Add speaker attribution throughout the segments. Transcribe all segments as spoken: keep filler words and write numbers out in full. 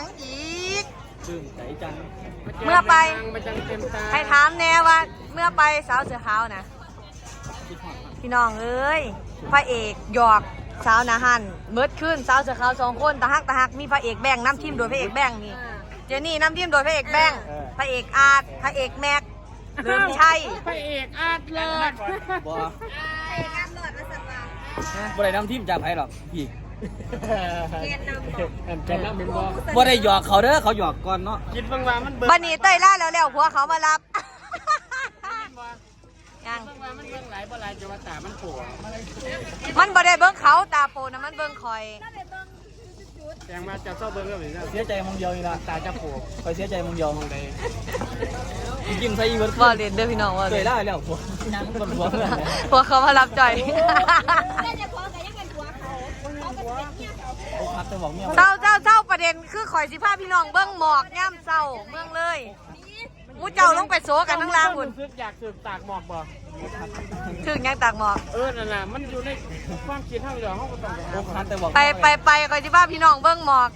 Speaker 1: ยังอีก
Speaker 2: ดื่มใจจัง
Speaker 1: เมื่อไปให้ถามแน่ว่าเมื่อไปสาวเสือขาวนะพี่น้องเอ้ยพระเอกหยอกสาวนาฮันเมิดขึ้นสาวเสือขาวสองคนตะฮักตะฮักมีพระเอกแบงน้ำทิมโดยพระเอกแบงนี่เจนี่น้ำทิมโดยพระเอกแบงพระเอกอาร์ตพระเอกแม็กเริ่มใช่
Speaker 3: พระเอกอาร์ตเลิศ
Speaker 2: บ่
Speaker 1: พระเอกอาร์ตเลิศมาสักวัน
Speaker 2: บ่ได้น้ำทิมจากไผหรอกพี่
Speaker 1: เกณฑ์นำ
Speaker 3: แกนน้ำเป็นบ่
Speaker 2: บ่ได้หยอกเขาเด้อเขาหยอกก่อนเนาะ
Speaker 3: คิดบางว่ามันเบิ่ง
Speaker 1: บันนี้เต้ยล่าแล้วแล้วผัวเขามารับยัง
Speaker 3: บางว่ามันเบิ่งหลายบ่หลายจะว่าตามันปวด
Speaker 1: มันบ่ได้เบิ้งเขาตาโปนะมันเบิ้งคอย
Speaker 3: แยังมาจะเศร้าเบิ่งก็เหมือนกัน
Speaker 2: เสียใจมองเดียวนี่ล่ะ
Speaker 3: ตาจะปวด
Speaker 2: คอยเสียใจมองเดียวมองใดยิ้มใส่อีเวิร์ด
Speaker 1: บ่เล่นเด้อพี่น้องว่า
Speaker 2: เคยได้แล้วผัวนั่งบนหัวเพื่อน
Speaker 1: ผัวเขามารับจ่อยเจ้าเจ้าเจ้าประเด็นคือข่อยสิพาพี่น้องเบิ้งหมอกย่ำเศร้าเมืองเลยมูเจ้าลงไปโซกันทั้งล่างบุญ
Speaker 3: อยากสืบตากหมอกบ่
Speaker 1: ถึงยังตากหมอก
Speaker 3: เออนั่นน่ะมันอยู่ในความคิดทางเดียวเขาก็ต้อง
Speaker 1: ไปไปไปข่อยสิพาพี่น้องเบิ้งหมอก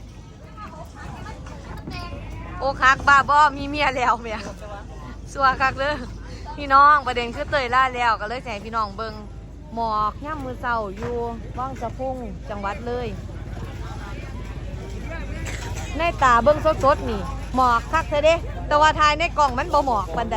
Speaker 1: โอ้คักบ้าบ่มีเมียแล้วเมียสัวคักเลยพี่น้องประเด็นคือเตยล่าแล้วก็เลยแจ้งพี่น้องเบิ้งหมอกย่ำมือเศร้าอยู่ว่างสะพุ่งจังหวัดเลยในตาเบิ้งสดๆนี่หมอกคักเธอเด้แต่ว่าทายในกล่องมันบ่หมอกบันได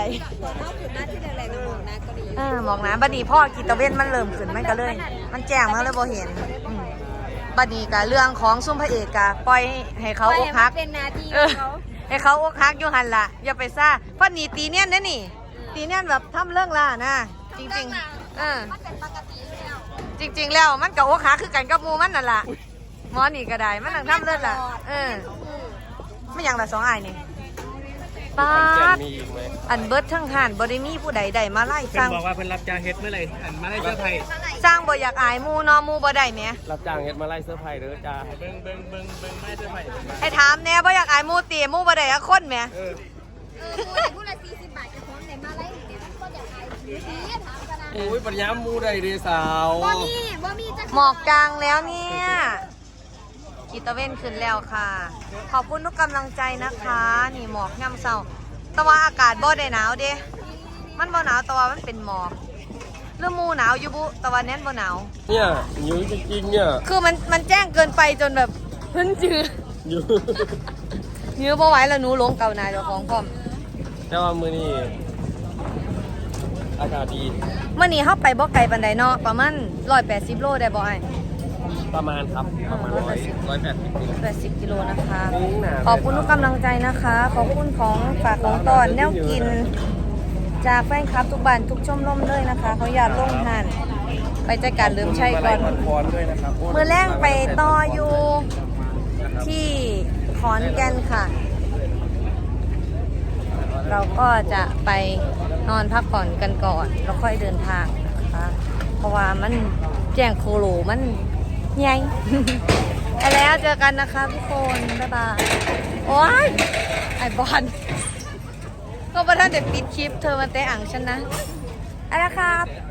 Speaker 1: เออหมอกนะบัดนี้พ่อกีตะเว้นมันเริ่มขึ้นมันก็เลยมันแจ้งมาเลยบ่เห็นบัดนี้กะเรื่องของซุ่มพระเอกกะปล่อยให้เขาอกหักเออให้เขาอกหักอยู่หันละอย่าไปซ่าเพราะนี่ตีเนียนนะนี่ตีเนียนแบบทำเรื่องล่ะนะจริงๆเออจริงๆแล้วมันกับอกหักคือกันกับมูมันนั่นล่ะหมอนี่ก็ได้มันนั่งทำเรื่องล่ะเออไม่อย่างละสองไอ้นี่ป้าอันเบิร์ดทั้งหันบริมีผู้ใดใดมาไล่สร้าง
Speaker 3: บอกว่าเพิ่นรับจ้างเฮ็ดเมื่อไรอันมาไล่เสื้อไผ่
Speaker 1: สร้างบ่อยากอายมูนอมูบ่ได้แหม
Speaker 3: รับจ้างเฮ็ดมาไล่เสื้อไผ่เด้อจ้าเบิ่งเบิ่งเบิ่งเบิ่งไล่เสื้อไผ่
Speaker 1: ให้ถามแน่บ่อยากอายมูตีมูบ่ได้อะคนแหม
Speaker 4: เออผู้ละสี่สิบบาทจะพร้อมไหนมาไล่เนี่ยก็อยากอายนี่ถามกันนะ
Speaker 3: โอ้ยปัญญามูได้เด้สาว
Speaker 4: บ่มีบ่มีจะ
Speaker 1: หมอกจางแล้วเนี่ยกีตะเว้นขึ้นแล้วค่ะขอบคุณทุกกำลังใจนะคะนี่หมอกย่ำเศร้าแต่ว่าอากาศบ่ได้หนาวเด้มันบ่หนาวแต่ว่ามันเป็นหมอกเรื่องมูหนาวอยู่บุแต่ว่าแน่นบ่หนาว
Speaker 3: เนี่ยอยู่จริงๆเนี่ย
Speaker 1: คือมันมันแจ้งเกินไปจนแบบพื้นจืด
Speaker 3: อยู่
Speaker 1: ยื้อบ่ไหวแล้วหนูลงเก่าหนาเจ้าของพร้อม
Speaker 3: แต่ว่ามื้อนี้อากาศดี
Speaker 1: เมื่อนี้เข้าไปบ่ไกลปานใดเนาะประมาณร้อยแปดสิบโลได้บ่ไอ้
Speaker 3: ประมาณครับประมาณร้อยร้อยแปดสิบ
Speaker 1: แปดสิบกิโลนะคะขอบคุณทุกกำลังใจนะคะขอบคุณของฝากของตอนแนวกินจากแฟนคลับทุกบ้านทุกชมรมเลยนะคะเขาอยากลงทานไปจัดการลืมใช่ก่อนเมื่อแรงไปต่ออยู่ที่ขอนแก่นค่ะเราก็จะไปนอนพักผ่อนกันก่อนแล้วค่อยเดินทางนะคะเพราะว่ามันแจ้งโคโลมันใหญ่ไปแล้วเจอกันนะคะทุกคนบ๊ายบายโอ้ยไอบอลก็ประท่านเด็ดปิดคลิปเธอมาเตะอ่างฉันนะอะไรครับ